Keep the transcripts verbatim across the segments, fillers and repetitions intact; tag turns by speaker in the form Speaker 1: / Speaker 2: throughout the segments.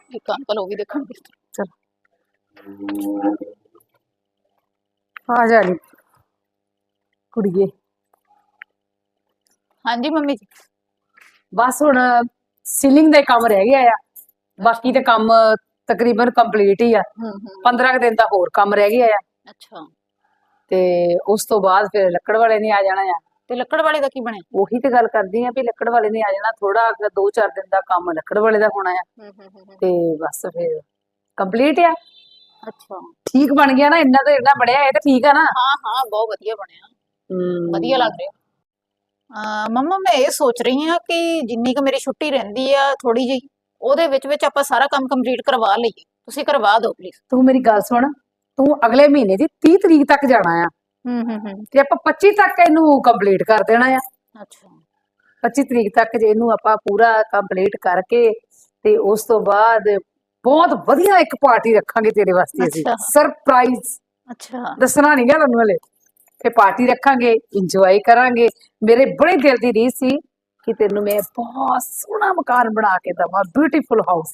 Speaker 1: ਇੱਕ ਅੰਕਲ ਉਹ ਵੀ ਦੇਖਣਗੇ।
Speaker 2: चल आ जा नी कुड़िए।
Speaker 1: ਹਾਂਜੀ ਮੰਮੀ ਜੀ।
Speaker 2: बस हुण सीलिंग ਦਾ ਕੰਮ ਰਹਿ ਗਿਆ ਆ, ਬਾਕੀ ਤੇ ਕੰਮ ਤਕਰੀਬਨ ਕੰਪਲੀਟ ਹੀ ਆ।
Speaker 1: ਹੂੰ ਹੂੰ
Speaker 2: ਪੰਦਰਾਂ ਕੁ ਦਿਨ ਦਾ ਹੋਰ ਕੰਮ ਰਹਿ ਗਿਆ ਆ
Speaker 1: ਅੱਛਾ।
Speaker 2: ਤੇ ਉਸ ਤੋਂ ਬਾਅਦ ਫਿਰ ਲੱਕੜ ਵਾਲੇ ਨੇ ਆ ਜਾਣਾ ਆ।
Speaker 1: ਤੇ ਲੱਕੜ ਵਾਲੇ ਦਾ ਕੀ ਬਣਿਆ?
Speaker 2: ਉਹੀ ਤੇ ਗੱਲ ਕਰਦੀ ਆ ਵੀ ਲੱਕੜ ਵਾਲੇ ਨੇ ਆ ਜਾਣਾ, ਥੋੜਾ ਦੋ ਚਾਰ ਦਿਨ ਦਾ ਕੰਮ ਲੱਕੜ ਵਾਲੇ ਦਾ ਹੋਣਾ ਆ
Speaker 1: ਹੂੰ ਹੂੰ ਹੂੰ
Speaker 2: ਤੇ ਬਸ ਫਿਰ ਕੰਪਲੀਟ ਆ।
Speaker 1: ਅੱਛਾ।
Speaker 2: ਠੀਕ ਬਣ ਗਿਆ ਨਾ, ਇੰਨਾ ਤੇ ਇੰਨਾ ਬਣਿਆ, ਇਹ ਤਾਂ ਠੀਕ ਆ ਨਾ।
Speaker 1: ਹਾਂ ਹਾਂ ਬਹੁਤ ਵਧੀਆ ਬਣਿਆ,
Speaker 2: ਹਮ
Speaker 1: ਵਧੀਆ ਲੱਗ ਰਿਹਾ। ਅਹ ਮੰਮਾ ਮੈਂ ਇਹ ਸੋਚ ਰਹੀ ਹਾਂ ਕਿ ਜਿੰਨੀ ਕੁ ਮੇਰੀ ਛੁੱਟੀ ਰਹਿੰਦੀ ਆ ਥੋੜੀ ਜਿਹੀ, ਉਹਦੇ ਵਿੱਚ ਵਿੱਚ ਆਪਾਂ ਸਾਰਾ ਕੰਮ ਕੰਪਲੀਟ ਕਰਵਾ ਲਈਏ। ਤੁਸੀਂ ਕਰਵਾ ਦਿਓ ਪਲੀਜ਼।
Speaker 2: ਤੂੰ ਮੇਰੀ ਗੱਲ ਸੁਣ, ਤੂੰ ਅਗਲੇ ਮਹੀਨੇ ਦੀ ਤੀਹ ਤਰੀਕ ਤੱਕ ਜਾਣਾ ਆ
Speaker 1: ਹੂੰ ਹੂੰ ਹੂੰ
Speaker 2: ਤੇ ਆਪਾਂ ਪੱਚੀ ਤੱਕ ਇਹਨੂੰ ਕੰਪਲੀਟ ਕਰ ਦੇਣਾ ਆ।
Speaker 1: ਅੱਛਾ।
Speaker 2: ਪੱਚੀ ਤਰੀਕ ਤੱਕ ਜੇ ਇਹਨੂੰ ਆਪਾਂ ਪੂਰਾ ਕੰਪਲੀਟ ਕਰਕੇ ਤੇ ਉਸ ਤੋਂ ਬਾਅਦ ਬਹੁਤ ਵਧੀਆ ਇੱਕ ਪਾਰਟੀ ਰੱਖਾਂਗੇ ਤੇਰੇ ਵਾਸਤੇ ਅਸੀਂ,
Speaker 1: ਅੱਛਾ
Speaker 2: ਸਰਪ੍ਰਾਈਜ਼।
Speaker 1: ਅੱਛਾ।
Speaker 2: ਦੱਸਣਾ ਨਹੀਂ ਗਾ ਤੁਹਾਨੂੰ ਹਲੇ, ਤੇ ਪਾਰਟੀ ਰੱਖਾਂਗੇ, ਇੰਜੋਏ ਕਰਾਂਗੇ। ਮੇਰੇ ਬੜੇ ਦਿਲ ਦੀ ਰੀਸ ਸੀ ਕਿ ਤੈਨੂੰ ਮੈਂ ਬਹੁਤ ਸੋਹਣਾ ਮਕਾਨ ਬਣਾ ਕੇ ਦਵਾਂ, ਬਿਊਟੀਫੁਲ ਹਾਊਸ,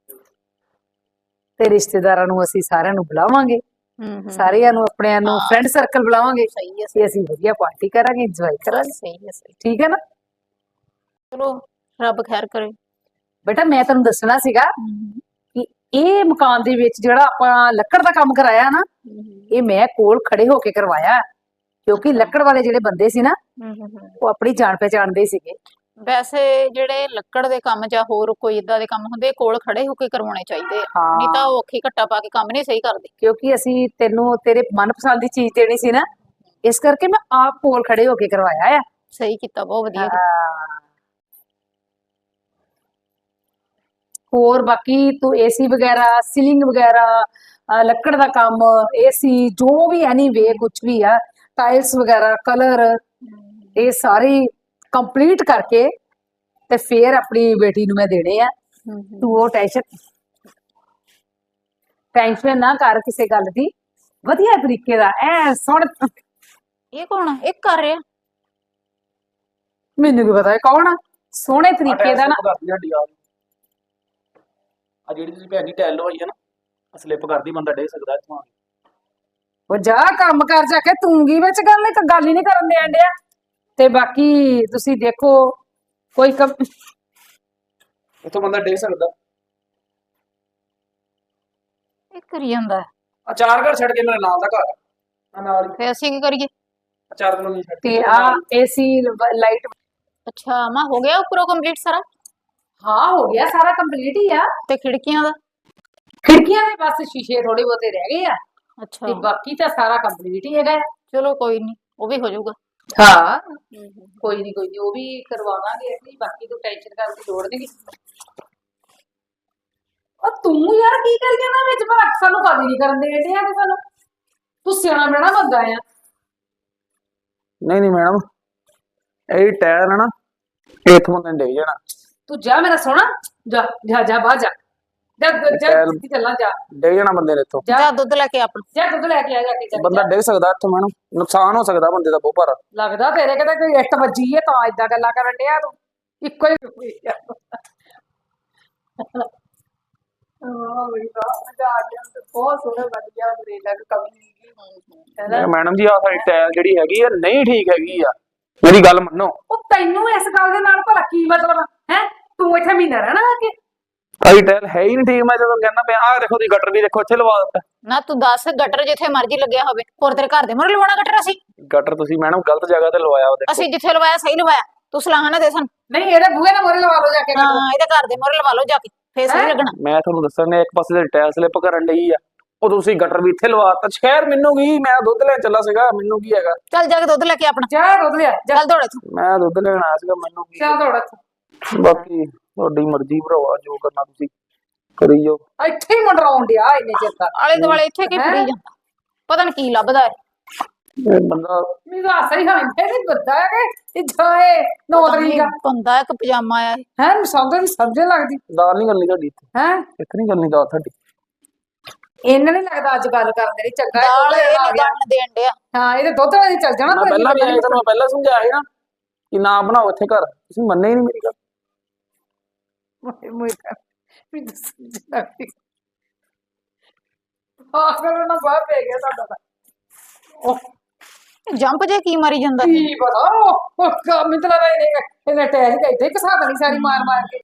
Speaker 2: ਤੇ ਰਿਸ਼ਤੇਦਾਰਾਂ ਨੂੰ ਅਸੀਂ ਸਾਰਿਆਂ ਨੂੰ ਬੁਲਾਵਾਂਗੇ,
Speaker 1: ਹੂੰ ਹੂੰ
Speaker 2: ਸਾਰਿਆਂ ਨੂੰ ਆਪਣਿਆਂ ਨੂੰ
Speaker 1: ਹਾਂ
Speaker 2: ਫਰੈਂਡ ਸਰਕਲ ਬੁਲਾਵਾਂਗੇ
Speaker 1: ਸਹੀ ਹੈ
Speaker 2: ਤੇ ਅਸੀਂ ਵਧੀਆ ਪਾਰਟੀ ਕਰਾਂਗੇ, ਇੰਜੋਏ ਕਰਾਂਗੇ।
Speaker 1: ਸਹੀ ਹੈ ਸਹੀ।
Speaker 2: ਠੀਕ ਹੈ ਨਾ?
Speaker 1: ਚਲੋ ਰੱਬ ਖੈਰ ਕਰੇ।
Speaker 2: ਬੇਟਾ ਮੈਂ ਤੁਹਾਨੂੰ ਦੱਸਣਾ ਸੀਗਾ
Speaker 1: ਹੂੰ
Speaker 2: ਕਿ ਇਹ ਮਕਾਨ ਦੇ ਵਿੱਚ ਜਿਹੜਾ ਆਪਾਂ ਲੱਕੜ ਦਾ ਕੰਮ ਕਰਾਇਆ ਨਾ,
Speaker 1: ਹੂੰ
Speaker 2: ਇਹ ਮੈਂ ਕੋਲ ਖੜੇ ਹੋ ਕੇ ਕਰਵਾਇਆ, ਕਿਉਂਕਿ ਲੱਕੜ ਵਾਲੇ ਜਿਹੜੇ ਬੰਦੇ ਸੀ ਨਾ
Speaker 1: ਹੂੰ ਹੂੰ ਹੂੰ।
Speaker 2: ਉਹ ਆਪਣੀ ਜਾਣ ਪਹਿਚਾਣ ਦੇ ਸੀਗੇ।
Speaker 1: ਵੈਸੇ ਜਿਹੜੇ ਲੱਕੜ ਦੇ ਕੰਮ ਜਾਂ ਹੋਰ ਕੋਈ ਇਦਾਂ ਦੇ ਕੰਮ ਹੁੰਦੇ, ਕੋਲ ਖੜੇ ਹੋ ਕੇ ਕਰਵਾਉਣੇ ਚਾਹੀਦੇ ਆ, ਨਹੀਂ ਤਾਂ
Speaker 2: ਹਾਂ,
Speaker 1: ਉਹ ਔਖੀ ਘੱਟਾ ਪਾ ਕੇ ਕੰਮ ਨਹੀਂ ਸਹੀ ਕਰਦੇ।
Speaker 2: ਕਿਉਂਕਿ ਅਸੀਂ ਤੈਨੂੰ ਤੇਰੇ ਮਨਪਸੰਦ ਦੀ ਚੀਜ਼ ਦੇਣੀ ਸੀ ਨਾ, ਇਸ ਕਰਕੇ ਮੈਂ ਆਪ ਕੋਲ ਖੜੇ ਹੋ ਕੇ ਕਰਵਾਇਆ ਆ।
Speaker 1: ਸਹੀ ਕੀਤਾ, ਬਹੁਤ ਵਧੀਆ ਕੀਤਾ।
Speaker 2: ਹਾਂ। ਹੋਰ ਬਾਕੀ ਤੂੰ ਏਸੀ ਵਗੈਰਾ, ਸੀਲਿੰਗ ਵਗੈਰਾ, ਅਹ ਲੱਕੜ ਦਾ ਕੰਮ, ਏਸੀ, ਜੋ ਵੀ ਐਨੀ ਵੇ ਕੁਝ ਵੀ ਆ, ਟਾਇਲਸ ਵਗੈਰਾ, ਕਲਰ, ਇਹ ਸਾਰੇ ਕੰਪਲੀਟ ਕਰਕੇ ਤੇ ਫੇਰ ਆਪਣੀ ਬੇਟੀ ਨੂੰ ਮੈਂ ਦੇਣੇ ਆ।
Speaker 1: ਹੂੰ ਹੂੰ।
Speaker 2: ਤੂੰ ਉਹ ਟੈਨਸ਼ਨ ਟੈਨਸ਼ਨ ਨਾ ਕਰ ਕਿਸੇ ਗੱਲ ਦੀ, ਵਧੀਆ ਤਰੀਕੇ ਦਾ ਐ ਸੁਣ।
Speaker 1: ਇਹ ਕੌਣ ਆ? ਇਹ ਕਰ ਰਿਹਾ?
Speaker 2: ਮੈਨੂੰ ਕੀ ਪਤਾ ਇਹ ਕੌਣ ਆ, ਸੋਹਣੇ ਤਰੀਕੇ ਦਾ ਨਾ।
Speaker 3: ਆ ਜਿਹੜੀ ਤੁਸੀਂ ਭੈਣ ਜੀ ਟੈਲ ਲਵਾਈ ਹੈ ਨਾ, ਸਲਿੱਪ ਕਰਦੀ ਬੰਦਾ ਡੇ ਸਕਦਾ ਇੱਥੋਂ ਆ ਕੇ।
Speaker 2: ਉਹ ਜਾ ਕੰਮ ਕਰ ਜਾ ਕੇ, ਤੂੰ ਕੀ ਵਿੱਚ ਗੱਲ ਨਹੀਂ, ਗੱਲ ਹੀ ਨਹੀਂ ਕਰਨ ਦੇਣ ਡਿਆ। ਤੇ ਬਾਕੀ ਤੁਸੀਂ ਦੇਖੋ ਕੋਈ ਕੰਮ
Speaker 3: ਇੱਥੋਂ ਬੰਦਾ ਡੇ ਸਕਦਾ।
Speaker 1: ਇਹ ਕਰੀ ਜਾਂਦਾ।
Speaker 3: ਆ ਚਾਰ ਘਰ ਛੱਡ ਕੇ ਮੇਰੇ ਨਾਲ ਦਾ ਘਰ ਆ ਨਾਲ ਹੀ,
Speaker 1: ਫੇ ਅਸੀਂ ਕੀ ਕਰੀਏ?
Speaker 3: ਆ ਚਾਰ ਕਲੋਨੀ ਛੱਡ
Speaker 2: ਤੇ
Speaker 3: ਕੇ
Speaker 2: ਆ ਏਸੀ ਲਾਈਟ।
Speaker 1: ਅੱਛਾ ਮਾਂ, ਹੋ ਗਿਆ ਉੱਪਰੋਂ ਕੰਪਲੀਟ ਸਾਰਾ?
Speaker 2: ਹਾਂ ਹੋ ਗਿਆ ਸਾਰਾ ਕੰਪਲੀਟ ਹੀ ਆ।
Speaker 1: ਤੇ ਖਿੜਕੀਆਂ ਦਾ?
Speaker 2: ਖਿੜਕੀਆਂ ਦੇ ਬਸ ਸ਼ੀਸ਼ੇ ਥੋੜੇ ਬਹੁਤੇ ਰਹਿ ਗਏ ਆ,
Speaker 1: ਅੱਛਾ
Speaker 2: ਤੇ ਬਾਕੀ ਤਾਂ ਸਾਰਾ ਕੰਪਲੀਟ ਹੀ ਹੈਗਾ।
Speaker 1: ਚਲੋ ਕੋਈ ਨਹੀਂ, ਉਹ ਵੀ ਹੋ ਜਾਊਗਾ।
Speaker 2: ਹਾਂ ਕੋਈ ਨਹੀਂ ਕੋਈ ਨਹੀਂ, ਉਹ ਵੀ ਕਰਵਾਵਾਂਗੇ ਅਸੀਂ, ਬਾਕੀ ਤੂੰ ਟੈਨਸ਼ਨ ਕਰਨ ਦੀ ਲੋੜ ਨਹੀਂ। ਉਹ ਤੂੰ ਯਾਰ ਕੀ ਕਰੀ ਜਾਂਦਾ ਵਿੱਚ, ਪਰ ਸਾਨੂੰ ਕਦੇ ਨਹੀਂ ਕਰਨ ਦੇ ਡਿਆ ਕਿ ਸਾਨੂੰ, ਤੂੰ ਸਿਆਣਾ ਬਣਾ ਬੰਦਾ ਆ।
Speaker 3: ਨਹੀਂ ਨਹੀਂ ਮੈਡਮ, ਇਹ ਟਾਇਰ ਹੈ ਨਾ, ਇਹ ਇੱਥੋਂ ਬੰਦੇ ਡੇ ਜਾਣਾ।
Speaker 2: ਤੂੰ ਜਾ ਮੇਰਾ ਸੋਹਣਾ, ਜਾ ਜਾ ਜਾ ਬਾਹਰ ਜਾ, ਜਾ ਜਾ ਸਿੱਧੀ ਚੱਲਾਂ, ਜਾ
Speaker 3: ਡੇ ਜਾਣਾ ਬੰਦੇ ਨੇ ਇੱਥੋਂ।
Speaker 1: ਜਾ ਦੁੱਧ ਲੈ ਕੇ ਆਪਣਾ।
Speaker 2: ਜਾ ਦੁੱਧ ਲੈ ਕੇ ਆ ਜਾ ਕੇ, ਚੱਲ
Speaker 3: ਬੰਦਾ
Speaker 2: ਜਾ।
Speaker 3: ਡੇ ਸਕਦਾ ਇੱਥੋਂ ਮੈਡਮ, ਨੁਕਸਾਨ ਹੋ ਸਕਦਾ ਬੰਦੇ ਦਾ ਬਹੁਤ ਭਾਰਾ।
Speaker 2: ਲੱਗਦਾ ਤੇਰੇ ਕਿਤੇ ਕੋਈ ਇੱਟ ਵੱਜੀ ਹੈ ਤਾਂ ਏਦਾਂ ਗੱਲਾਂ ਕਰਨ ਡਿਆ ਤੂੰ, ਇੱਕੋ ਹੀ ਹਾਂ ਬਈ ਵਾਹ, ਮਜ਼ਾ ਆ ਗਿਆ, ਬਹੁਤ ਸੋਹਣਾ ਬਣ ਗਿਆ, ਮੇਰੇ ਲੱਗ ਕਮੀ ਨਹੀਂ।
Speaker 3: ਮੈਡਮ ਜੀ ਆ ਸਾਡੀ ਟਾਇਰ ਜਿਹੜੀ ਹੈਗੀ ਆ ਨਹੀਂ ਠੀਕ ਹੈਗੀ ਆ, ਮੇਰੀ ਗੱਲ ਮੰਨੋ।
Speaker 2: ਉਹ ਤੈਨੂੰ ਇਸ ਗੱਲ ਦੇ ਨਾਲ ਭਲਾ ਕੀ ਮਤਲਬ ਹੈ? ਤੂੰ ਇੱਥੇ ਮਹੀਨਾ ਰਹਿਣਾ ਆ ਕੇ?
Speaker 3: ਸਾਡੀ ਟਾਇਰ ਹੈ ਹੀ ਨਹੀਂ ਠੀਕ, ਮੈਂ ਜਦੋਂ ਕਹਿੰਦਾ ਪਿਆ ਆਹ ਦੇਖੋ, ਤੁਸੀਂ ਗਟਰ ਵੀ ਦੇਖੋ ਇੱਥੇ ਲਵਾ ਦਿੱਤਾ।
Speaker 1: ਨਾ ਤੂੰ ਦੱਸ, ਗਟਰ ਜਿੱਥੇ ਮਰਜ਼ੀ ਲੱਗਿਆ ਹੋਵੇ, ਹੋਰ ਤੇਰੇ ਘਰ ਦੇ ਮੂਹਰੇ ਲਵਾਉਣਾ ਗਟਰ ਅਸੀਂ?
Speaker 3: ਗਟਰ ਤੁਸੀਂ ਮੈਡਮ ਗਲਤ ਜਗ੍ਹਾ ਤੇ ਲਵਾਇਆ ਉਹਦੇ।
Speaker 1: ਅਸੀਂ ਜਿੱਥੇ ਲਵਾਇਆ ਸਹੀ ਲਵਾਇਆ, ਤੂੰ ਸਲਾਹ ਨਾ ਦੇ ਸਾਨੂੰ।
Speaker 2: ਨਹੀਂ ਇਹਦੇ ਬੂਹੇ ਨਾਲ ਮੋਰੇ ਲਵਾ ਲਓ ਜਾ ਕੇ।
Speaker 1: ਹਾਂ ਇਹਦੇ ਘਰ ਦੇ ਮੂਹਰੇ ਲਵਾ ਲਓ ਜਾ ਕੇ, ਫੇਰ ਸਹੀ ਲੱਗਣਾ।
Speaker 3: ਮੈਂ ਤੁਹਾਨੂੰ ਦੱਸਣ, ਇੱਕ ਪਾਸੇ ਦੇ ਟਾਇਰ ਸਲਿੱਪ ਕਰਨ ਲਈ ਆ, ਉਹ ਤੁਸੀਂ ਗਟਰ ਵੀ ਇੱਥੇ ਲਵਾਤਾ। ਸ਼ਹਿਰ ਮੈਨੂੰ ਕੀ, ਮੈਂ ਦੁੱਧ ਲੈਣ ਚੱਲਾ ਸੀਗਾ, ਮੈਨੂੰ ਕੀ ਹੈਗਾ।
Speaker 1: ਚੱਲ ਜਾ ਕੇ ਦੁੱਧ ਲੈ ਕੇ ਆਪਣਾ।
Speaker 2: ਜਾ ਦੁੱਧ ਲਿਆ,
Speaker 1: ਚੱਲ ਦੌੜ ਇੱਥੋਂ।
Speaker 3: ਮੈਂ ਦੁੱਧ ਲੈਣ ਆਇਆ ਸੀਗਾ, ਮੈਨੂੰ ਕੀ।
Speaker 2: ਚੱਲ ਦੌੜ ਇੱਥੋਂ।
Speaker 3: ਬਾਕੀ ਤੁਹਾਡੀ ਮਰਜ਼ੀ ਭਰਾਵਾ, ਜੋ ਕਰਨਾ ਤੁਸੀਂ ਕਰੀ ਜਾਓ।
Speaker 2: ਇੱਥੇ ਹੀ ਮੰਡਰਾਉਣ ਡਿਆ ਇੰਨੇ ਚਿਰ ਤੱਕ,
Speaker 1: ਆਲੇ ਦੁਆਲੇ ਇੱਥੇ ਕੀ ਫਰੀ ਜਾਂਦਾ, ਪਤਾ ਨੀ ਕੀ ਲੱਭਦਾ ਹੈ।
Speaker 3: ਇਹ ਬੰਦਾ
Speaker 2: ਮੇਰਾ ਸਹੀ ਹਾਂ ਇਹ ਬੰਦਾ ਹੈ ਕਿ ਜਾਏ ਨੌ ਤਰੀਕ ਦਾ
Speaker 1: ਬੰਦਾ ਇੱਕ ਪਜਾਮਾ ਆਇਆ
Speaker 2: ਹੈ, ਸਮਝ ਸਮਝ ਲੱਗਦੀ।
Speaker 3: ਦਾਲ ਨਹੀਂ ਕਰਨੀ ਤੁਹਾਡੀ ਇੱਥੇ,
Speaker 2: ਹੈ
Speaker 3: ਇੱਥੇ ਨਹੀਂ ਕਰਨੀ ਦਾਲ ਤੁਹਾਡੀ।
Speaker 2: ਇਹਨਾਂ ਨਹੀਂ ਲੱਗਦਾ ਅੱਜ ਗੱਲ ਕਰਦੇ ਨਹੀਂ ਚੰਗਾ
Speaker 1: ਦਾਲ ਇਹ ਨਹੀਂ ਗੰਨ ਦੇਣ ਡਿਆ।
Speaker 2: ਹਾਂ ਇਹਦੇ ਦੁੱਧ ਵਾਲੀ ਚੱਲ ਜਾਣਾ।
Speaker 3: ਮੈਂ ਪਹਿਲਾਂ ਵੀ ਆਇਆ, ਤੁਹਾਨੂੰ ਪਹਿਲਾਂ ਸਮਝਾਇਆ ਸੀ ਨਾ ਕਿ ਨਾ ਬਣਾਓ ਇੱਥੇ ਘਰ, ਤੁਸੀਂ ਮੰਨੇ ਹੀ ਨਹੀਂ ਮੇਰੀ ਗੱਲ।
Speaker 2: ਮੈਨੂੰ ਸਮਝ ਨਾ ਆਈ ਆਹ ਕਰੋ ਨਾ ਬਾਹਰ ਪੈ ਗਿਆ ਸਾਡਾ ਤਾਂ ਉਹ
Speaker 1: ਜੰਪ ਜੇ ਕੀ ਮਾਰੀ ਜਾਂਦਾ ਸੀ
Speaker 2: ਕੀ ਪਤਾ ਉਹ ਉਹ ਕੰਮ ਇਤਨਾ ਦਾ ਇਹਨੇ ਇਹਨੇ ਟੈਗ ਦੇ ਇੱਥੇ ਕਸਾ ਦੇਣੀ ਸਾਰੀ ਮਾਰ ਮਾਰ ਕੇ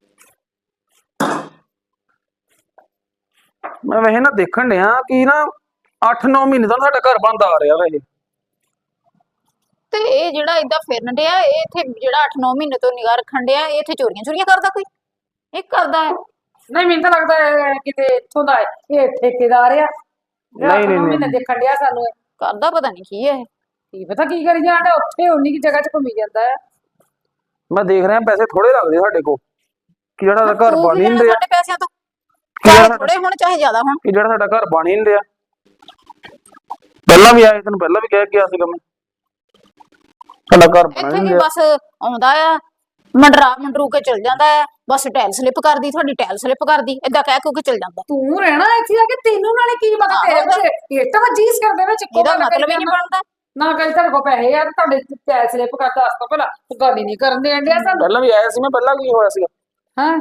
Speaker 3: ਮੈਂ ਵੈਸੇ ਨਾ ਦੇਖਣ ਡਿਆ ਕਿ ਨਾ ਅੱਠ ਨੌ ਮਹੀਨੇ ਤੋਂ ਸਾਡਾ ਘਰ ਬੰਦ ਆ ਰਿਹਾ ਵੈਸੇ।
Speaker 1: ਤੇ ਇਹ ਜਿਹੜਾ ਏਦਾਂ ਫਿਰਨ ਡਿਆ ਇਹ ਇੱਥੇ ਜਿਹੜਾ ਅੱਠ ਨੌ ਮਹੀਨੇ ਤੋਂ ਨਿਗਾਹ ਰੱਖਣ ਡਿਆ ਇਹ ਇੱਥੇ ਚੋਰੀਆਂ ਚੋਰੀਆਂ ਕਰਦਾ ਕੋਈ ਇਹ ਕਰਦਾ ਹੈ
Speaker 2: ਨਹੀਂ ਮੈਨੂੰ ਤਾਂ ਲੱਗਦਾ ਹੈ ਕਿਤੇ ਇੱਥੋਂ ਦਾ ਹੈ। ਇਹ ਠੇਕੇਦਾਰ ਆ
Speaker 3: ਨਹੀਂ, ਨਹੀਂ,
Speaker 2: ਮਹੀਨੇ
Speaker 3: ਨਹੀਂ।
Speaker 2: ਦੇਖਣ ਡਿਆ ਸਾਨੂੰ ਇਹ।
Speaker 1: ਕਰਦਾ ਪਤਾ ਨਹੀਂ ਕੀ ਹੈ ਇਹ।
Speaker 2: ਕੀ ਪਤਾ ਕੀ ਕਰੀ ਜਾਂਦਾ ਉੱਥੇ ਉਨੀ ਕੀ ਜਗ੍ਹਾ 'ਚ ਘੁੰਮੀ ਜਾਂਦਾ ਹੈ
Speaker 3: ਮੈਂ ਦੇਖ ਰਿਹਾ ਪੈਸੇ ਥੋੜੇ ਲੱਗਦੇ ਸਾਡੇ ਕੋਲ ਕਿ ਜਿਹੜਾ ਸਾਡਾ ਘਰ
Speaker 1: ਤੂੰ
Speaker 3: ਬਣ
Speaker 1: ਕੀ
Speaker 3: ਹੀ ਨਹੀਂ
Speaker 1: ਲੈਣਾ
Speaker 3: ਰਿਹਾ
Speaker 1: ਸਾਡੇ ਪੈਸਿਆਂ ਤੋਂ
Speaker 3: ਕਿ ਜਿਹੜਾ
Speaker 1: ਚਾਹੇ
Speaker 3: ਸਾਡਾ-
Speaker 1: ਥੋੜੇ ਹੁਣ ਚਾਹੇ ਜ਼ਿਆਦਾ ਹੁਣ
Speaker 3: ਕਿ ਜਿਹੜਾ ਸਾਡਾ ਘਰ ਬਣ ਹੀ ਨਹੀਂ ਰਿਹਾ। ਪਹਿਲਾਂ ਵੀ ਆਏ ਤੈਨੂੰ ਪਹਿਲਾਂ ਵੀ ਕਹਿ ਕੇ ਗਿਆ ਸੀਗਾ ਮੈਂ ਸਾਡਾ ਘਰ ਬਣ
Speaker 1: ਇੱਥੇ
Speaker 3: ਨਹੀਂ
Speaker 1: ਕੀ
Speaker 3: ਰਿਹਾ।
Speaker 1: ਬਸ ਆਉਂਦਾ ਆ ਮੰਡਰਾ ਮੰਡਰੂ ਕੇ ਚਲ ਜਾਂਦਾ ਹੈ ਬਸ ਟੈਲ ਸਲਿੱਪ ਕਰਦੀ ਤੁਹਾਡੀ ਟੈਲ ਸਲਿੱਪ ਕਰਦੀ ਏਦਾਂ ਕਹਿ ਕੇ ਚਲ ਜਾਂਦਾ
Speaker 2: ਤੂੰ ਰਹਿਣਾ ਇੱਥੇ ਆ ਕੇ ਤੈਨੂੰ ਨਾਲੇ ਕੀ ਪਤਾ
Speaker 1: ਹਾਂ,
Speaker 2: ਤੇਰੇ
Speaker 1: ਉਹਦਾ-
Speaker 2: ਵਿੱਚ ਇੱਟ ਵਜੀਸ ਕਰਦੇ ਵਿੱਚ ਇੱਕੋ
Speaker 1: ਇਹਦਾ
Speaker 2: ਗੱਲ ਕਰੀ
Speaker 1: ਮਤਲਬ ਹੀ ਨਹੀਂ
Speaker 2: ਜਾਂਦਾ।
Speaker 1: ਬਣਦਾ
Speaker 2: ਨਾ ਕਹੀ ਤੁਹਾਡੇ ਕੋਲ ਪੈਸੇ ਆ ਤੇ ਤੁਹਾਡੇ ਪੈਸੇ ਸਲਿੱਪ ਕਰਦਾ ਦੱਸ ਤਾ ਭਲਾ ਤੂੰ ਗੱਲ ਹੀ ਨਹੀਂ ਕਰਨ ਦੇਣ ਡਿਆ ਸਾਨੂੰ
Speaker 3: ਪਹਿਲਾਂ ਵੀ ਆਇਆ ਸੀ ਮੈਂ ਪਹਿਲਾਂ ਕੀ ਹੋਇਆ ਸੀਗਾ
Speaker 2: ਹਾਂ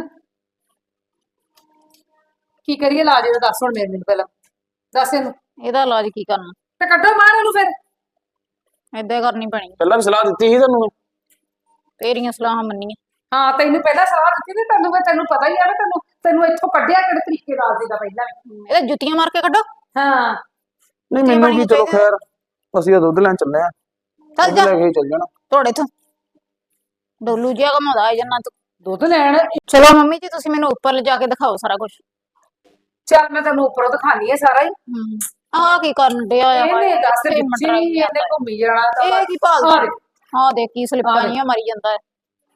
Speaker 2: ਕੀ ਕਰੀਏ ਇਲਾਜ ਇਹਦਾ ਦੱਸ ਹੁਣ ਮੇਰੇ ਮੈਨੂੰ ਪਹਿਲਾਂ ਦੱਸ ਇਹਨੂੰ
Speaker 1: ਇਹਦਾ ਇਲਾਜ ਕੀ ਕਰਨਾ
Speaker 2: ਤੇ ਕੱਢੋ ਬਾਹਰ ਇਹਨੂੰ ਫਿਰ
Speaker 1: ਏਦਾਂ ਹੀ ਕਰਨੀ ਪੈਣੀ
Speaker 3: ਪਹਿਲਾਂ ਵੀ ਸਲਾਹ ਦਿੱਤੀ ਸੀ ਤੁਹਾਨੂੰ ਮੈਂ।
Speaker 1: ਤੇਰੀਆਂ ਸਲਾਹਾਂ ਮੰਨੀਆਂ
Speaker 2: ਹਾਂ ਤੈਨੂੰ ਪਹਿਲਾਂ ਸਲਾਹ ਦਿੱਤੀ ਤੇ ਤੈਨੂੰ ਫਿਰ ਤੈਨੂੰ ਪਤਾ ਹੀ ਆ ਨਾ ਤੈਨੂੰ ਤੈਨੂੰ ਇੱਥੋਂ ਕੱਢਿਆ ਕਿਹੜੇ ਤਰੀਕੇ ਨਾਲ ਸੀਗਾ ਪਹਿਲਾਂ ਵੀ।
Speaker 1: ਇਹਦਾ ਜੁੱਤੀਆਂ ਮਾਰ ਕੇ ਕੱਢੋ
Speaker 2: ਹਾਂ
Speaker 3: ਨਹੀਂ
Speaker 1: ਜੁੱਤੀਆਂ
Speaker 3: ਮੈਨੂੰ ਕੀ
Speaker 1: ਪਾਉਣੀਆਂ
Speaker 3: ਚਲੋ
Speaker 1: ਚਾਹੀਦੀਆਂ।
Speaker 3: ਖੈਰ ਅਸੀਂ ਤਾਂ ਦੁੱਧ ਲੈਣ ਚੱਲੇ ਆ
Speaker 1: ਚੱਲ
Speaker 3: ਦੁੱਧ
Speaker 1: ਜਾ
Speaker 3: ਲੈ ਕੇ ਹੀ ਚੱਲ ਜਾਣਾ
Speaker 1: ਤੁਹਾਡੇ ਤੋਂ ਡੋਲੂ ਜਿਹਾ ਘਮਾਉਂਦਾ ਹੈ ਜੰਨਾ ਤੂੰ
Speaker 2: ਦੁੱਧ ਲੈਣ
Speaker 1: ਚਲੋ ਮੰਮੀ ਜੀ ਤੁਸੀਂ ਮੈਨੂੰ ਉੱਪਰ ਲਿਜਾ ਕੇ ਦਿਖਾਓ ਸਾਰਾ ਕੁਝ
Speaker 2: ਚੱਲ ਮੈਂ ਤੈਨੂੰ ਉੱਪਰੋਂ ਦਿਖਾਣੀ ਹੈ ਸਾਰਾ ਹੀ
Speaker 1: ਆਹ ਕੀ ਕਰਨ ਡਿਆ ਆ
Speaker 2: ਇਹਨੇ ਦੱਸ
Speaker 1: ਇੱਥੇ
Speaker 2: ਦਿੱਤੀ
Speaker 1: ਮੰਡਰਾਈ
Speaker 2: ਇਹਨੇ
Speaker 1: ਜਾਂਦਾ।
Speaker 2: ਘੁੰਮੀ ਜਾਣਾ ਤਾਂ
Speaker 1: ਇਹ ਕੀ ਭਾਲਦਾ
Speaker 2: ਹਾਂ।
Speaker 1: ਹਾਂ ਦੇਖ ਕੀ ਸਲਿੱਪਾਂ
Speaker 2: ਹਾਂ।
Speaker 1: ਜੀਆਂ ਮਾਰੀ ਜਾਂਦਾ ਹੈ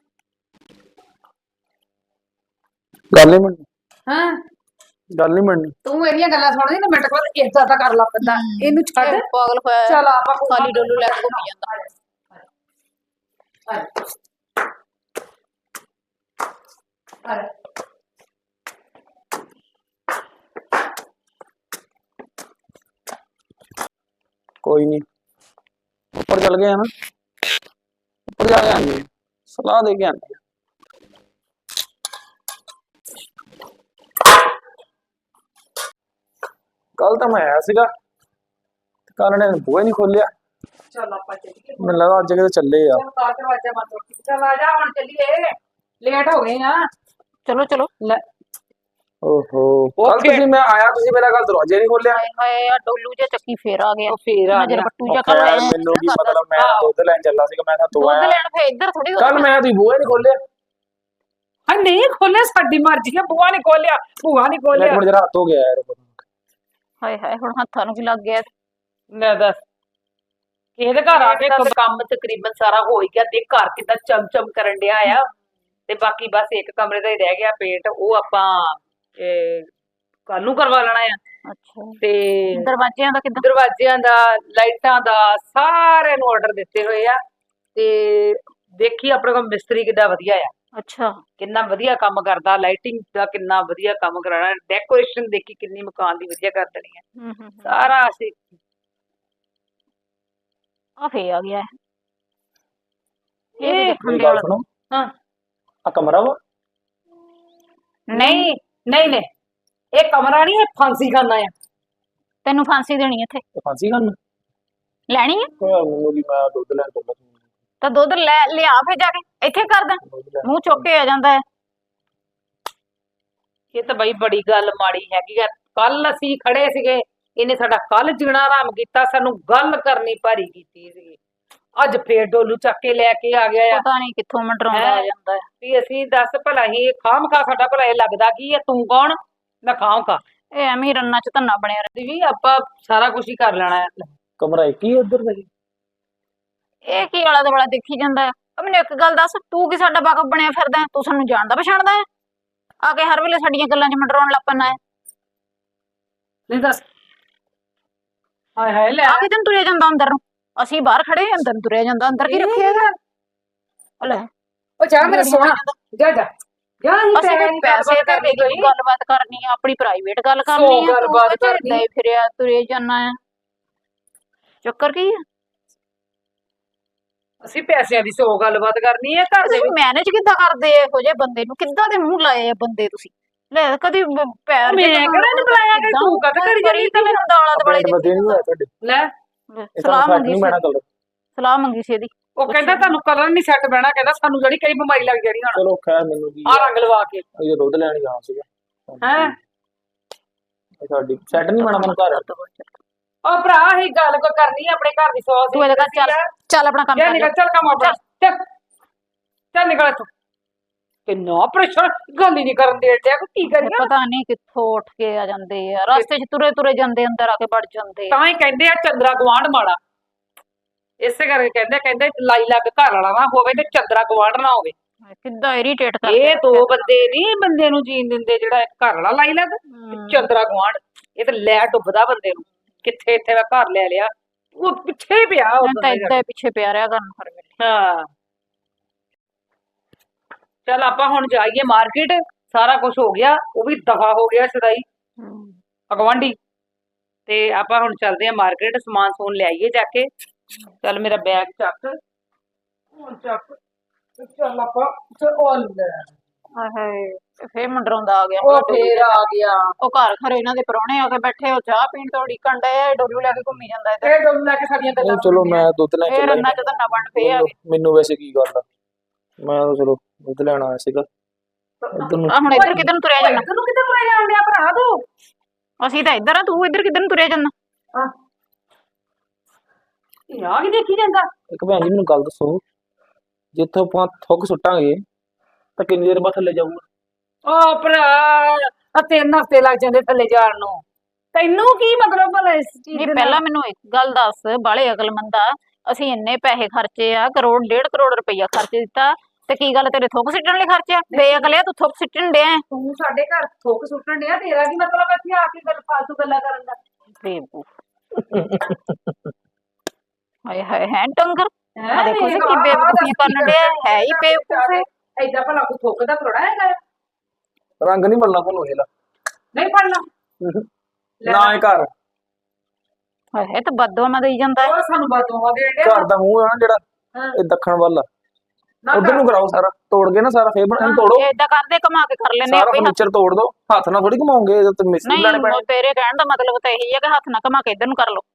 Speaker 3: ਗੱਲ ਨਹੀਂ ਮੰਨੀ
Speaker 2: ਹਾਂ
Speaker 3: ਗੱਲ ਨਹੀਂ ਮੰਨੀ
Speaker 2: ਤੂੰ ਇਹਦੀਆਂ ਗੱਲਾਂ ਸੁਣਦੀ ਨਾ ਮਿੰਟ ਬਾਅਦ ਏਦਾਂ ਤਾਂ ਕਰ ਲਾ ਪੈਂਦਾ ਇਹਨੂੰ ਛੱਡ
Speaker 1: ਇਹ ਪਾਗਲ ਹੋਇਆ
Speaker 2: ਚੱਲ ਆਪਾਂ
Speaker 1: ਖਾਲੀ ਡੋਲੂ ਲੈ ਕੇ ਘੁੰਮੀ ਜਾਂਦਾ
Speaker 3: ਕੋਈ ਨਹੀਂ ਉੱਪਰ ਚੱਲ ਗਏ ਆ ਨਾ ਉੱਪਰ ਜਾ ਕੇ ਆਂਦੇ ਸਲਾਹ ਦੇ ਕੇ ਆਂਦੇ ਕੱਲ ਤਾਂ ਮੈਂ ਆਇਆ ਸੀਗਾ ਕੱਲ ਨੇ ਬੂਹੇ ਨਹੀਂ ਖੋਲਿਆ
Speaker 2: ਚੱਲ ਆਪਾਂ ਚੱਲੀਏ
Speaker 3: ਮੈਨੂੰ ਲੱਗਾ ਅੱਜ ਕਿਤੇ ਚੱਲੇ ਆ
Speaker 2: ਚੱਲ ਕਾਰ ਦਰਵਾਜ਼ਾ ਬੰਦ ਕਰ ਚੱਲ ਆ ਜਾ ਹੁਣ ਚੱਲੀਏ ਲੇਟ ਹੋ ਗਏ ਆ
Speaker 1: ਚਲੋ ਚਲੋ
Speaker 2: ਲੈ
Speaker 3: ਓਹੋ ਕੱਲ ਤੁਸੀਂ ਮੈਂ ਆਇਆ ਤੁਸੀਂ ਮੇਰਾ ਕੱਲ ਦਰਵਾਜ਼ੇ ਨਹੀਂ ਖੋਲਿਆ
Speaker 1: ਹਾਏ ਹਾਏ ਆ ਡੋਲੂ ਜਿਹਾ ਚੱਕੀ ਫੇਰ ਆ ਗਿਆ
Speaker 2: ਉਹ ਫੇਰ ਆ
Speaker 1: ਨਜ਼ਰ
Speaker 2: ਗਿਆ
Speaker 1: ਬੱਟੂ ਜਿਹਾ ਕਰ ਲਿਆ
Speaker 3: ਮੈਨੂੰ ਕੀ ਮਤਲਬ ਮੈਂ ਦੁੱਧ ਲੈਣ ਚੱਲਾ ਸੀਗਾ ਮੈਂ ਤਾਂ ਤੂੰ
Speaker 1: ਦੁੱਧ
Speaker 3: ਆਇਆ
Speaker 1: ਲੈਣ ਫੇਰ ਇੱਧਰ ਥੋੜੀ
Speaker 3: ਕੱਲ ਮੈਂ ਤੁਸੀਂ ਬੂਹੇ ਨਹੀਂ ਖੋਲਿਆ
Speaker 2: ਹਾਂ ਨਹੀਂ ਖੋਲਿਆ ਸਾਡੀ ਮਰਜ਼ੀ ਆ ਬੂਆ ਨਹੀਂ ਖੋਲਿਆ ਭੂਆ ਨਹੀਂ
Speaker 3: ਇੱਕ
Speaker 2: ਖੋਲਿਆ
Speaker 3: ਮਿੰਟ ਜਰਾ ਹੱਥ ਹੋ ਗਿਆ ਯਾਰ
Speaker 1: ਹਾਏ ਹਾਏ ਹੁਣ ਹੱਥਾਂ ਨੂੰ ਕੀ ਲੱਗ ਗਿਆ
Speaker 2: ਲੈ ਦੱਸ ਕਿਸੇ ਦੇ ਘਰ ਆ ਕੇ ਤਾਂ ਕੰਮ ਤਕਰੀਬਨ ਸਾਰਾ ਹੋ ਹੀ ਗਿਆ ਦੇਖ ਘਰ ਕਿਦਾਂ ਚਮਚਮ ਕਰਨ ਡਿਆ ਆ ਤੇ ਬਾਕੀ ਬਸ ਇੱਕ ਕਮਰੇ ਦਾ ਹੀ ਰਹਿ ਗਿਆ ਪੇਂਟ ਉਹ ਆਪਾਂ ਕੱਲ ਨੂੰ ਕਰਵਾ ਲੈਣਾ ਆ
Speaker 1: ਅੱਛਾ
Speaker 2: ਤੇ
Speaker 1: ਦਰਵਾਜ਼ਿਆਂ ਦਾ ਕਿੱਦਾਂ
Speaker 2: ਦਰਵਾਜ਼ਿਆਂ ਦਾ ਲਾਈਟਾਂ ਦਾ ਸਾਰਿਆਂ ਨੂੰ ਆਰਡਰ ਦਿੱਤੇ ਹੋਏ ਆ ਤੇ ਦੇਖੀ ਆਪਣੇ ਕੋਲ ਮਿਸਤਰੀ ਕਿੱਦਾਂ ਵਧੀਆ ਆ
Speaker 1: ਅੱਛਾ
Speaker 2: ਕਿੰਨਾ ਵਧੀਆ ਕੰਮ ਕਰਦਾ ਲਾਈਟਿੰਗ ਦਾ ਕਿੰਨਾ ਵਧੀਆ ਕੰਮ ਕਰਾਣਾ ਡੈਕੋਰੇਸ਼ਨ ਦੇਖੀ ਕਿੰਨੀ ਮਕਾਨ ਦੀ ਵਧੀਆ ਕਰ ਦੇਣੀ ਹੈ
Speaker 1: ਹੂੰ ਹੂੰ
Speaker 2: ਸਾਰਾ ਅਸੀਂ
Speaker 1: ਆ ਫੇ ਆ ਗਿਆ ਇਹ
Speaker 2: ਇਹ
Speaker 1: ਦੇਖਣ
Speaker 3: ਮੇਰੀ
Speaker 1: ਦੇ
Speaker 3: ਗੱਲ
Speaker 1: ਵਾਲਾ
Speaker 3: ਸੁਣੋ
Speaker 2: ਹਾਂ
Speaker 3: ਆ ਕਮਰਾ ਵਾ
Speaker 2: ਨਹੀਂ ਨਹੀਂ ਨਹੀਂ ਇਹ ਕਮਰਾ ਨਹੀਂ ਇਹ ਫਾਂਸੀ ਖਾਨਾ ਆ
Speaker 1: ਤੈਨੂੰ ਫਾਂਸੀ ਦੇਣੀ ਇੱਥੇ
Speaker 3: ਤੇ ਫਾਂਸੀ ਕਰਨ
Speaker 1: ਲੈਣੀ ਹੈ
Speaker 3: ਕੋਈ ਮੈਨੂੰ ਕੀ ਮੈਂ ਦੁੱਧ ਲੈਣ ਚੱਲਾ ਸੀ
Speaker 1: ਤਾਂ ਦੁੱਧ ਲੈ ਲਿਆ ਫੇ ਜਾ ਕੇ ਇੱਥੇ ਕਰਦਾ
Speaker 3: ਦੁੱਧ ਲੈਣ।
Speaker 1: ਮੂੰਹ ਚੁੱਕ ਕੇ ਆ ਜਾਂਦਾ ਹੈ
Speaker 2: ਇਹ ਤਾਂ ਬਈ ਬੜੀ ਗੱਲ ਮਾੜੀ ਹੈਗੀ ਆ ਕੱਲ ਅਸੀਂ ਖੜੇ ਸੀਗੇ ਇਹਨੇ ਸਾਡਾ ਕੱਲ ਜੀਣਾ ਆਰਾਮ ਕੀਤਾ ਸਾਨੂੰ ਗੱਲ ਕਰਨੀ ਭਾਰੀ ਕੀਤੀ ਸੀਗੀ ਅੱਜ ਫੇਰ ਡੋਲੂ ਚੱਕ ਕੇ ਲੈ ਕੇ ਆ ਗਿਆ ਆ
Speaker 1: ਪਤਾ ਨਹੀਂ ਕਿੱਥੋਂ ਮੰਡਰਾਉਂਦਾ ਆ ਜਾਂਦਾ ਹੈ
Speaker 2: ਵੀ ਅਸੀਂ ਦੱਸ ਭਲਾ ਹੀ ਖਾਮ ਖਾ ਸਾਡਾ ਭਲਾ ਇਹ ਲੱਗਦਾ ਕੀ ਹੈ ਤੂੰ ਕੌਣ ਮੈਂ ਖਾਮ ਖਾ
Speaker 1: ਇਹ ਐਵੇਂ ਹੀ ਰੰਨਾਂ ਚ ਧੰਨਾ ਬਣਿਆ ਰਹਿੰਦਾ
Speaker 2: ਵੀ ਆਪਾਂ ਸਾਰਾ ਕੁਝ ਹੀ ਕਰ ਲੈਣਾ ਹੈ
Speaker 3: ਕਮਰਾ ਇੱਕ ਹੀ ਉਧਰ ਦਾ ਜੀ
Speaker 1: ਇਹ ਕੀ ਆਲਾ ਦੁਆਲਾ ਦੇਖੀ ਜਾਂਦਾ ਹੈ ਆ ਮੈਨੂੰ ਇੱਕ ਗੱਲ ਦੱਸ ਤੂੰ ਕੀ ਸਾਡਾ ਵਾਕਫ ਬਣਿਆ ਫਿਰਦਾ ਹੈ? ਤੂੰ ਸਾਨੂੰ ਜਾਣਦਾ ਪਛਾਣਦਾ ਹੈ ਆ ਕੇ ਹਰ ਵੇਲੇ ਸਾਡੀਆਂ ਗੱਲਾਂ 'ਚ ਮੰਡਰਾਉਣ ਲੱਗ ਪੈਣਾ ਹੈ
Speaker 2: ਨਹੀਂ ਦੱਸ ਹਾਏ ਹਾਏ ਲੈ
Speaker 1: ਆ ਕਿਤੇ ਨੂੰ ਤੁਰਿਆ ਜਾਂਦਾ ਅੰਦਰ ਨੂੰ ਅਸੀਂ ਬਾਹਰ ਖੜੇ ਅੰਦਰ ਨੂੰ ਤੁਰਿਆ ਜਾਂਦਾ ਅੰਦਰ ਕੀ ਰੱਖਿਆ ਹੈਗਾ ਆ ਲੈ
Speaker 2: ਉਹ ਜਾ ਮੇਰਾ ਸੋਹਣਾ ਜਾ ਜਾ ਜਾ ਹੀ
Speaker 1: ਅਸੀਂ ਕੋਈ ਪੈਸੇ ਤੇ ਦੇ ਕੇ ਗੱਲਬਾਤ ਕਰਨੀ ਆ ਆਪਣੀ ਪ੍ਰਾਈਵੇਟ ਗੱਲ ਕਰਨੀ ਆ
Speaker 2: ਗੱਲਬਾਤ ਕਰਨੀ।
Speaker 1: ਨਹੀਂ ਫਿਰਿਆ ਤੁਰੇ ਜਾਣਾ ਹੈ ਚੱਕਰ ਕੀ ਹੈ
Speaker 2: ਅਸੀਂ ਪੈਸਿਆਂ ਦੀ ਸੌ ਗੱਲਬਾਤ ਕਰਨੀ ਹੈ ਘਰ ਦੇ
Speaker 1: ਤੁਸੀਂ ਮੈਨੇਜ ਕਿੱਦਾਂ ਕਰਦੇ ਆ ਇਹੋ ਜਿਹੇ ਬੰਦੇ ਨੂੰ ਕਿੱਦਾਂ ਦੇ ਮੂੰਹ ਲਾਏ ਆ ਬੰਦੇ ਤੁਸੀਂ ਲੈ ਕਦੀ ਬ- ਪੈਰ
Speaker 2: ਮੈਂ
Speaker 1: ਜੇ ਤਾਂ
Speaker 2: ਕਿਹੜਾ ਨੀ ਬੁਲਾਇਆ ਕਿ
Speaker 1: ਏਦਾਂ
Speaker 2: ਤੂੰ ਕਦ ਕਰੀ
Speaker 1: ਕਰੀ ਤਾਂ ਮੈਨੂੰ ਦਾਲਾਂ ਦੁਆਲੇ
Speaker 3: ਪੇਟ ਵਧੇ ਨਹੀਂ ਹੋਇਆ ਤੁਹਾਡੇ
Speaker 2: ਲੈ
Speaker 3: ਇਹ
Speaker 1: ਸਲਾਹ
Speaker 3: ਤੁਹਾਨੂੰ ਸੈੱਟ
Speaker 1: ਮੰਗੀ
Speaker 3: ਨਹੀਂ
Speaker 1: ਸੀ
Speaker 3: ਬਹਿਣਾ ਕਲਰ
Speaker 1: ਸਲਾਹ ਮੰਗੀ ਸੀ ਇਹਦੀ
Speaker 2: ਉਹ ਕਹਿੰਦਾ ਤੁਹਾਨੂੰ ਕਲਰ ਨਹੀਂ ਸੈੱਟ ਬਹਿਣਾ ਕਹਿੰਦਾ ਸਾਨੂੰ ਜਿਹੜੀ ਕਈ ਬਿਮਾਰੀ ਲੱਗ ਜਾਣੀ ਹੁਣ
Speaker 3: ਚਲੋ ਖੈਰ ਮੈਨੂੰ ਕੀ
Speaker 2: ਆ ਰੰਗ ਲਵਾ ਕੇ
Speaker 3: ਇਹ ਦੁੱਧ ਲੈਣ ਗਿਆ ਸੀਗਾ
Speaker 2: ਹੈ
Speaker 3: ਇਹ ਸਾਡੀ ਸੈੱਟ ਨਹੀਂ ਬਣਾ ਮੈਨੂੰ ਘਰ
Speaker 2: ਉਹ ਭਰਾ ਹੀ ਗੱਲ ਕੋ ਕਰਨੀ ਆ, ਆਪਣੇ ਘਰ ਦੀ ਸੋਚ
Speaker 1: ਤੂੰ ਇਹਦੇ ਘਰ ਚੱਲ ਚੱਲ ਆਪਣਾ ਕੰਮ
Speaker 2: ਜਾ
Speaker 1: ਕਰ
Speaker 2: ਨਿਕਲ
Speaker 1: ਲੈ
Speaker 2: ਚੱਲ ਕੰਮ ਆਪਣਾ ਚੱਲ ਚੱਲ ਨਿਕਲ ਇੱਥੋਂ ਕਿੰਨਾ ਪ੍ਰੈਸ਼ਰ ਗੱਲ ਹੀ ਨਹੀਂ ਕਰਨ ਦੇ ਡਿਆ ਕਿ ਕੀ ਕਰੀਏ
Speaker 1: ਪਤਾ ਨਹੀਂ ਕਿੱਥੋਂ ਉੱਠ ਕੇ ਆ ਜਾਂਦੇ ਆ ਰਸਤੇ 'ਚ ਤੁਰੇ ਤੁਰੇ ਜਾਂਦੇ ਅੰਦਰ ਆ ਕੇ ਵੜ ਜਾਂਦੇ ਆ।
Speaker 2: ਤਾਂ ਹੀ ਕਹਿੰਦੇ ਆ ਚੰਦਰਾ ਗਵਾਂਢ ਮਾੜਾ ਇਸੇ ਕਰਕੇ ਕਹਿੰਦੇ ਕਹਿੰਦੇ ਲਾਈ ਲੱਗ ਘਰ ਵਾਲਾ ਨਾ ਹੋਵੇ ਤੇ ਚੰਦਰਾ ਗਵਾਂਢ ਨਾ ਹੋਵੇ
Speaker 1: ਕਿੱਦਾਂ ਇਰੀਟੇਟ ਕਰਦੇ
Speaker 2: ਇਹ ਦੋ ਬੰਦੇ ਨਹੀਂ ਬੰਦੇ ਨੂੰ ਜੀਣ ਦਿੰਦੇ, ਜਿਹੜਾ ਇੱਕ ਘਰ ਵਾਲਾ ਲਾਈ ਲੱਗ ਤੇ ਚੰਦਰਾ ਗਵਾਂਢ ਇਹ ਤੇ ਲੈ ਡੁੱਬਦਾ ਬੰਦੇ ਨੂੰ ਕਿੱਥੇ ਇੱਥੇ ਦਾ ਘਰ ਲੈ ਲਿਆ ਉਹ ਪਿੱਛੇ ਹੀ ਪਿਆ ਉਹ
Speaker 1: ਮੈਂ ਤਾਂ
Speaker 2: ਬੰਦੇ ਦਾ।
Speaker 1: ਏਦਾਂ ਹੀ ਪਿੱਛੇ ਪਿਆ ਰਿਹਾ ਕਰਨ ਹਰ ਵੇਲੇ
Speaker 2: ਹਾਂ ਚੱਲ ਆਪਾਂ ਹੁਣ ਜਾਈਏ ਮਾਰਕੀਟ, ਸਾਰਾ ਕੁਝ ਹੋ ਗਿਆ, ਉਹ ਵੀ ਦਫਾ ਹੋ ਗਿਆ ਸਦਾਈ ਅਗਵਾਂਢੀ ਤੇ ਆਪਾਂ ਹੁਣ ਚੱਲਦੇ ਆ ਮਾਰਕੀਟ, ਸਮਾਨ ਸਮੂਨ ਲਿਆਈਏ ਜਾ ਕੇ। ਚੱਲ ਮੇਰਾ ਬੈਗ ਚੱਕ ਹੁਣ ਚੱਕ ਤੇ ਚੱਲ ਆਪਾਂ ਚੱਲ ਲੈ
Speaker 1: ਹਾਏ ਹਾਏ ਫੇਰ ਮੰਡਰਾਉਂਦਾ ਆ ਗਿਆ
Speaker 2: ਉਹ ਫੇਰ ਆ ਗਿਆ
Speaker 1: ਉਹ ਘਰ ਖਰੇ ਇਹਨਾਂ ਦੇ ਪਰੌਣੇ ਆ ਕੇ ਬੈਠੇ ਉਹ ਚਾਹ ਪੀਣ ਤੋਂ ਢੀਕਣ ਡਏ ਡੋਲੂ ਲੈ ਕੇ ਘੁੰਮੀ ਜਾਂਦਾ ਇੱਧਰ
Speaker 2: ਇਹ ਡੋਲ ਲੈ ਕੇ ਸਾਡੀਆਂ ਗੱਲਾਂ
Speaker 3: ਨਹੀਂ ਚਲੋ ਮੈਂ ਦੁੱਧ ਲੈ
Speaker 1: ਫੇਰ
Speaker 3: ਚੱਲਾ
Speaker 1: ਅੰਨਾ ਚ ਤਾਂ ਨਾ ਬਣ ਪਏ ਆ
Speaker 3: ਮੈਨੂੰ- ਮੈਨੂੰ ਵੈਸੇ ਕੀ ਗੱਲ ਆ ਮੈਂ ਤਾਂ ਚਲੋ ਦੁੱਧ ਲੈਣ ਆਇਆ ਸੀਗਾ ਇੱਧਰ ਨੂੰ
Speaker 1: ਆ ਹੁਣ ਇੱਧਰ ਕਿੱਧਰ ਨੂੰ ਤੁਰਿਆ ਜਾਂਦਾ
Speaker 2: ਤੈਨੂੰ ਕਿੱਥੇ ਤੁਰੇ ਜਾਣ ਡਿਆ ਭਰਾ ਤੂੰ
Speaker 1: ਅਸੀਂ ਤਾਂ ਇੱਧਰ ਆ ਤੂੰ ਇੱਧਰ ਕਿੱਧਰ ਨੂੰ ਤੁਰਿਆ ਜਾਂਦਾ
Speaker 2: ਇਹ ਆ ਕੀ ਦੇਖੀ ਜਾਂਦਾ
Speaker 3: ਇੱਕ ਭੈਣ ਜੀ ਮੈਨੂੰ ਗੱਲ ਦੱਸੋ ਜਿੱਥੋਂ ਆਪਾਂ ਥੁੱਕ ਸੁੱਟਾਂਗੇ ਤਾਂ ਕਿੰਨੀ ਦੇਰ ਬਾਅਦ ਥੱਲੇ ਜਾਊਗਾ
Speaker 2: ਓ ਭਰਾ ਆ ਤਿੰਨ ਹਫ਼ਤੇ ਲੱਗ ਜਾਂਦੇ ਥੱਲੇ ਜਾਣ ਨੂੰ, ਤੈਨੂੰ ਕੀ ਮਤਲਬ ਭਲਾ ਇਸ ਚੀਜ਼
Speaker 1: ਨਹੀਂ
Speaker 2: ਦੇ
Speaker 1: ਪਹਿਲਾਂ ਮੈਨੂੰ ਇੱਕ ਗੱਲ ਦੱਸ ਬਾਲੇ ਅਕਲਮੰਦ ਆ ਅਸੀਂ ਇੰਨੇ ਪੈਸੇ ਖਰਚੇ ਆ ਕਰੋੜ ਡੇਢ ਕਰੋੜ ਰੁਪਈਆ ਖਰਚ ਦਿੱਤਾ ਤੇ ਕੀ ਗੱਲ ਤੇਰੇ ਥੁੱਕ ਸਿੱਟਣ ਲਈ ਖਰਚਿਆ ਬੇਅਕਲਿਆ ਤੂੰ ਥੁੱਕ ਸਿੱਟਣ ਡਿਆ
Speaker 2: ਤੂੰ ਸਾਡੇ ਘਰ ਥੁੱਕ ਸੁੱਟਣ ਡਿਆ, ਤੇਰਾ ਕੀ ਮਤਲਬ ਇੱਥੇ ਆ ਕੇ ਗੱਲ ਫਾਲਤੂ ਗੱਲਾਂ ਕਰਨ ਦਾ
Speaker 1: ਬੇਵਕੂਫ ਹਾਏ ਹਾਏ ਹੈ ਟੰਗਰ
Speaker 2: ਹੈਂ,
Speaker 1: ਆ ਦੇਖੋ
Speaker 2: ਵੇਖ,
Speaker 1: ਸੀ ਕੀ
Speaker 2: ਆਹ
Speaker 1: ਬੇਵਕੂਫੀ
Speaker 2: ਦੱਸ
Speaker 1: ਕਰਨ ਡਿਆ ਹੈ ਹੀ ਬੇਵਕੂਫ ਹੈ
Speaker 2: ਏਦਾਂ ਭਲਾ ਕੋਈ ਥੁੱਕਦਾ ਥੋੜਾ ਹੈਗਾ ਆ।
Speaker 3: ਰੰਗ ਨਹੀਂ ਮਿਲਣਾ ਤੁਹਾਨੂੰ ਇਹਦਾ
Speaker 2: ਨਹੀਂ ਪੜਨਾ
Speaker 3: ਨਾ ਇਹ ਘਰ
Speaker 1: ਹਾਏ ਹਾਏ ਤਾਂ ਬਦਦੁਆ ਦੇਈ ਜਾਂਦਾ ਹੈ
Speaker 2: ਉਹ ਸਾਨੂੰ ਬਦੋਵਾ ਦੇ ਡਿਆ
Speaker 3: ਘਰ ਦਾ ਮੂੰਹ ਆ ਨਾ ਜਿਹੜਾ
Speaker 2: ਹਾਂ।
Speaker 3: ਇਹ ਦੱਖਣ ਵੱਲ ਆ
Speaker 2: ਨਾ
Speaker 3: ਉਧਰ ਨੂੰ ਕਰਾਓ ਸਾਰਾ ਤੋੜ ਕੇ ਨਾ ਸਾਰਾ ਫੇਰ ਬਣਾ ਇਹਨੂੰ ਤੋੜੋ
Speaker 1: ਇਹ ਏਦਾਂ ਕਰਦੇ ਕਮਾ ਕੇ ਕਰ ਲੈਨੇ
Speaker 3: ਸਾਰਾ
Speaker 1: ਆਪੇ ਹੱਥ
Speaker 3: ਫਰਨੀਚਰ ਤੋੜ ਦੋ ਹੱਥ ਨਾਲ ਥੋੜੀ ਘਮਾਉਂਗੇ ਇਹਦੇ ਤੇ ਮਿਸਤਰੀ ਲੈਣੇ
Speaker 1: ਨਹੀਂ
Speaker 3: ਪੈਣੇ
Speaker 1: ਉਹ ਤੇਰੇ ਕਹਿਣ ਦਾ ਮਤਲਬ ਤਾਂ ਇਹੀ ਹੈ ਕਿ ਹੱਥ ਨਾਲ ਕਮਾ ਕੇ ਇੱਧਰ ਨੂੰ ਕਰ ਲਓ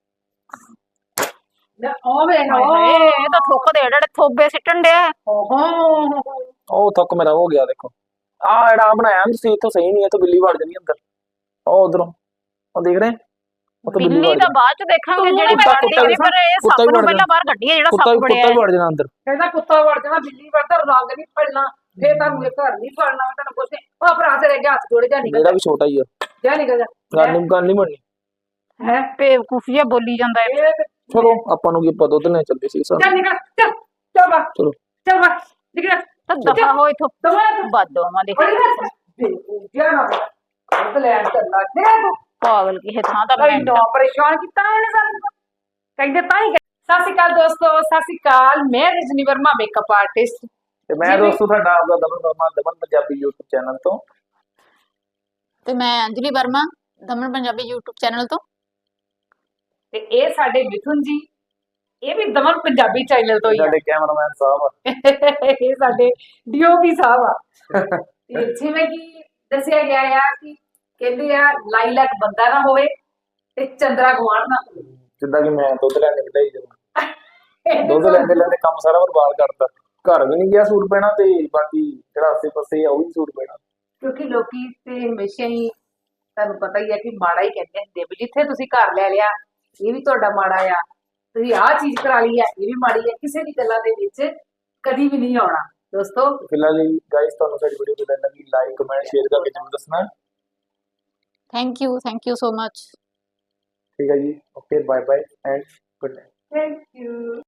Speaker 2: ਉਹ ਵੇਖ
Speaker 1: ਹਾਏ ਹਾਏ ਇਹ ਤਾਂ ਥੁੱਕ ਦੇ ਜਿਹੜੇ ਥੋਬੇ ਸਿੱਟਣ ਡਿਆ ਹੈ।
Speaker 2: ਓਹੋ
Speaker 3: ਉਹ ਥੁੱਕ ਮੇਰਾ ਹੋ ਗਿਆ ਦੇਖੋ ਆ ਜਿਹੜਾ ਬਣਾਇਆ ਨਾ ਤੁਸੀਂ ਇੱਥੋਂ ਸਹੀ ਨਹੀਂ ਹੈ ਤਾਂ ਬਿੱਲੀ ਵੜ ਜਾਣੀ ਅੰਦਰ ਉਹ ਉਧਰੋਂ ਉਹ ਦੇਖ ਰਹੇ ਉਹ ਤਾਂ ਬਿੱਲੀ
Speaker 1: ਬਿੱਲੀ
Speaker 3: ਵੜ
Speaker 1: ਤਾਂ ਬਾਅਦ ਚ ਦੇਖਾਂਗੇ
Speaker 2: ਤੂੰ
Speaker 1: ਜਿਹੜੀ
Speaker 2: ਕੁੱਤਾ-
Speaker 1: ਮੈਂ
Speaker 3: ਕੁੱਤਾ
Speaker 1: ਦੇਖੀ ਪਰ ਇਹ
Speaker 3: ਕੁੱਤਾ
Speaker 1: ਸੱਪ
Speaker 3: ਵੀ
Speaker 1: ਨੂੰ
Speaker 3: ਵੜ
Speaker 1: ਪਹਿਲਾਂ ਬਾਹਰ ਕੱਢੀ ਹੈ ਜਿਹੜਾ
Speaker 3: ਕੁੱਤਾ
Speaker 1: ਸੱਪ
Speaker 3: ਵੀ
Speaker 1: ਬੜਿਆ
Speaker 3: ਕੁੱਤਾ ਵੀ ਵੜ ਜਾਣਾ ਅੰਦਰ
Speaker 2: ਕਹਿੰਦਾ ਕੁੱਤਾ ਵੜ ਜਾਣਾ, ਬਿੱਲੀ ਵੜਦਾ, ਰੰਗ ਨਹੀਂ ਫੜਨਾ, ਫੇਰ ਤੁਹਾਨੂੰ ਇਹ ਘਰ ਨਹੀਂ ਫੜਨਾ, ਤੈਨੂੰ ਕੁਛ ਨੀ। ਉਹ ਭਰਾ ਤੇਰੇ ਅੱਗੇ ਹੱਥ ਜੋੜੇ ਜਾ ਨਿਕਲ
Speaker 3: ਮੇਰਾ ਵੀ ਛੋਟਾ ਹੀ ਆ
Speaker 2: ਜਾ ਨਿਕਲ ਜਾ
Speaker 3: ਗੱਲ ਨਹੀਂ ਗੱਲ ਨਹੀਂ ਬਣਨੀ
Speaker 2: ਹੈ
Speaker 1: ਬੇਵਕੂਫੀਆ ਬੋਲੀ ਜਾਂਦਾ ਹੈ
Speaker 2: ਇਹ ਤੇ-
Speaker 3: ਚਲੋ ਆਪਾਂ ਨੂੰ ਕੀ ਆਪਾਂ ਦੁੱਧ ਲੈਣ ਚੱਲਦੇ ਸੀ
Speaker 2: ਚੱਲ
Speaker 3: ਸਾਨੂੰ
Speaker 2: ਨਿਕਲ ਚੱਲ ਚੱਲ ਬਾ
Speaker 3: ਚਲੋ
Speaker 2: ਚੱਲ ਬਾ ਨਿਕਲ
Speaker 1: ਤਾਂ ਦਫਾ ਹੋ ਇਥੋਂ
Speaker 2: ਦਵਾ
Speaker 1: ਬਦਦੁਆਵਾਂ ਦੇ
Speaker 2: ਬੜੀ ਬਸ ਜਾ ਨਾ ਉਹ ਲੈਣ ਚੱਲਣਾ ਤੇ ਤੂੰ
Speaker 1: ਪਾਗਲ ਕਿਸੇ ਥਾਂ ਦਾ
Speaker 2: ਬੜੀ ਨੋ ਪਰੇਸ਼ਾਨ ਕੀਤਾ ਇਹਨੇ ਸਾਨੂੰ ਕਹਿੰਦੇ ਤਾਂ ਹੀ ਸਤਿ ਸ਼੍ਰੀ ਅਕਾਲ ਦੋਸਤੋ, ਸਤਿ ਸ਼੍ਰੀ ਅਕਾਲ। ਮੈਂ ਰਜਨੀ ਵਰਮਾ ਮੇਕਅਪ ਆਰਟਿਸਟ
Speaker 3: ਤੇ ਮੈਂ ਦੋਸਤੋ ਤੁਹਾਡਾ ਆਪਦਾ ਦਮਨ ਵਰਮਾ ਦਮਨ ਪੰਜਾਬੀ YouTube ਚੈਨਲ ਤੋਂ
Speaker 1: ਤੇ ਮੈਂ ਅੰਜਲੀ ਵਰਮਾ ਦਮਨ ਪੰਜਾਬੀ YouTube ਚੈਨਲ ਤੋਂ
Speaker 2: ਤੇ ਇਹ ਸਾਡੇ ਮਿਥੁਨ ਜੀ, ਇਹ ਵੀ ਦਮਨ ਪੰਜਾਬੀ ਚੈਨਲ ਤੋਂ ਹੀ ਆ
Speaker 3: ਸਾਡੇ ਕੈਮਰਾਮੈਨ ਸਾਹਿਬ ਆ
Speaker 2: ਇਹ ਸਾਡੇ ਡੀਓਪੀ ਸਾਹਿਬ ਆ ਤੇ ਜਿਵੇਂ ਕਿ ਦੱਸਿਆ ਗਿਆ ਆ ਕਿ ਕਹਿੰਦੇ ਆ ਲਾਈਲਕ ਬੰਦਾ ਨਾ ਹੋਵੇ ਤੇ ਚੰਦਰਾ ਗਵਾਣ ਨਾ ਹੋਵੇ।
Speaker 3: ਜਿੱਦਾਂ ਕਿ ਮੈਂ ਦੁੱਧ ਲੈਣ ਨਿਕਲਿਆ ਜਦੋਂ
Speaker 2: ਇਹਦੇ
Speaker 3: ਦੁੱਧ
Speaker 2: ਤੋਂ-
Speaker 3: ਲੈਂਦੇ ਲੈਂਦੇ ਕੰਮ ਸਾਰਾ ਬਰਬਾਦ ਕਰਤਾ ਘਰ ਵੀ ਨਹੀਂ ਗਿਆ ਸੂਟ ਪੈਣਾ ਤੇ ਬਾਕੀ ਜਿਹੜਾ ਆਸੇ ਪਾਸੇ ਆ ਉਹ ਵੀ ਸੂਟ ਪੈਣਾ
Speaker 2: ਕਿਉਂਕਿ ਲੋਕੀ ਤੇ ਹਮੇਸ਼ਾ ਹੀ ਤੁਹਾਨੂੰ ਪਤਾ ਹੀ ਹੈ ਕਿ ਮਾੜਾ ਹੀ ਕਹਿੰਦੇ ਹੁੰਦੇ ਆ ਵੀ ਜਿੱਥੇ ਤੁਸੀਂ ਘਰ ਲੈ ਲਿਆ ਇਹ ਵੀ ਤੁਹਾਡਾ ਮਾੜਾ ਆ, ਤੁਸੀਂ ਆਹ ਚੀਜ਼ ਕਰਾ ਲਈ ਆ ਇਹ ਵੀ ਮਾੜੀ ਆ, ਕਿਸੇ ਦੀ ਗੱਲਾਂ ਦੇ ਵਿੱਚ ਕਦੀ ਵੀ ਨਹੀਂ ਆਉਣਾ ਦੋਸਤੋ।
Speaker 3: ਫਿਲਹਾਲ ਜੀ ਗਾਇਸ ਤੁਹਾਨੂੰ ਸਾਡੀ ਵੀਡੀਓ ਕਿਵੇਂ ਲੱਗੀ ਲਾਈਕ ਕਮੈਂਟ ਸ਼ੇਅਰ ਕਰਕੇ ਜ਼ਰੂਰ ਦੱਸਣਾ
Speaker 1: thank you thank you so much
Speaker 3: ਠੀਕ ਹੈ ਜੀ okay bye bye and good night
Speaker 2: thank you.